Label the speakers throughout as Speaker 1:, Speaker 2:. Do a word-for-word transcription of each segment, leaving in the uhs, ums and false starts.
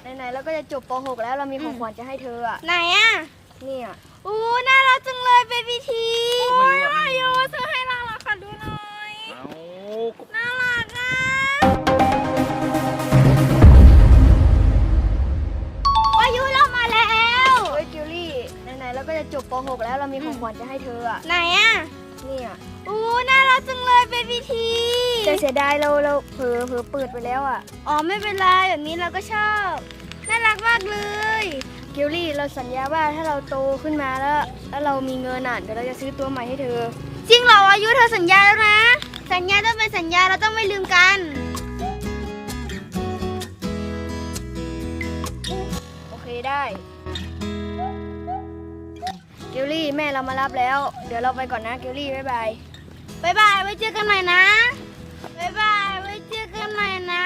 Speaker 1: ไหนๆเราก็จะจบป หก แล้วเรามีของขวัญจะให้เธออ่ะ
Speaker 2: ไหนอ่ะ
Speaker 1: นี่อ่ะ
Speaker 2: อู้น่ารักจังเลยเบบี้ที
Speaker 3: โอ้ย
Speaker 2: อายุซื้อให้เราเหรอขอดูหน่อย
Speaker 3: เอา
Speaker 2: น่ารักอ่ะอายุเรามาแล้ว
Speaker 1: เฮ้ยจิวลี่ไหนๆเราก็จะจบป หก แล้วเรามีของขวัญจะให้เธออ่ะ
Speaker 2: ไหนอ่ะ
Speaker 1: นี่อ่ะ
Speaker 2: อู้น่ารักจังเลยเบบี้ที
Speaker 1: แต่เสียดายเราเราเผลอเผลอเปิดไปแล้วอ่ะ
Speaker 2: อ๋อไม่เป็นไรแบบนี้เราก็ชอบน่ารักมากเลย
Speaker 1: จิวลี่เราสัญญาว่าถ้าเราโตขึ้นมาแล้ว แล้วเรามีเงินอ่ะเดี๋ยวเราจะซื้อตัวใหม่ให้เธอ
Speaker 2: จริงเหรออายุเธอสัญญาแล้วนะ สัญญาต้องเป็นสัญญาเราต้องไม่ลืมกัน
Speaker 1: โอเคได้จิวลี่แม่เรามารับแล้ว เดี๋ยวเราไปก่อนนะจิวลี่บ๊ายบาย
Speaker 2: บ๊ายบายไว้เจอกันใหม่นะบ๊ายบายไว้เจอกันใหม่นะ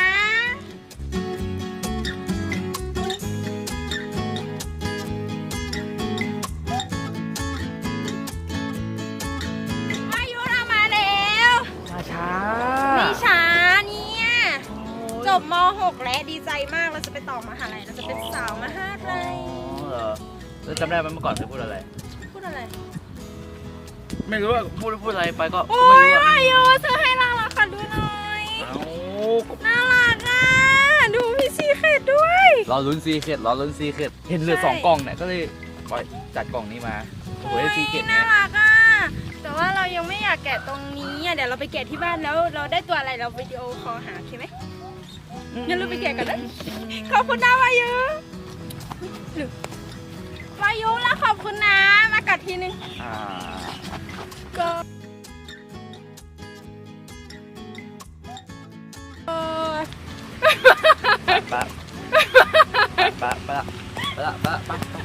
Speaker 2: อายุเรามาแล้ว
Speaker 3: มาช้า
Speaker 2: ไม่ช้าเนี่ยจบม หก แล้วดีใจมากเราจะไปต่อมหาลัยเราจะเป็นสาวมหาลัย
Speaker 3: อ๋อเหรอแล้วจำได้ไหมเมื่อก่อนเธอพูดอะไร
Speaker 2: พูดอะไร
Speaker 3: ไม่รู้ว่าพูดพูดอะไรไปก็
Speaker 2: โอ้
Speaker 3: ไม่
Speaker 2: ย
Speaker 3: รู้อะ
Speaker 2: อายุซื้อให้เราเหรอขอดูหน่อย
Speaker 3: เอา
Speaker 2: น่ารักอ่ะดูพี่ซีเคดด้วย
Speaker 3: รอลุ้นซีเคดรอลุ้นซีเคดเห็นเหลือสองกล่องเนี่ยก็เลยปล่อยจัดกล่องนี้มาโอ้ยซีเคด
Speaker 2: น่า
Speaker 3: เนี่ย
Speaker 2: รักอ่ะแต่ว่าเรายังไม่อยากแกะตรงนี้อ่ะเดี๋ยวเราไปแกะที่บ้านแล้วเราได้ตัวอะไรเราวิดีโอคอลหาโอเคไหมงั้นเราไปแกะกันนะขอบคุณนะวายุหรือวายุแล้วขอบคุณนะมากัดทีนึง
Speaker 3: อ่า
Speaker 2: ก็เออ
Speaker 3: ไปไปไปไปไปไปไปไป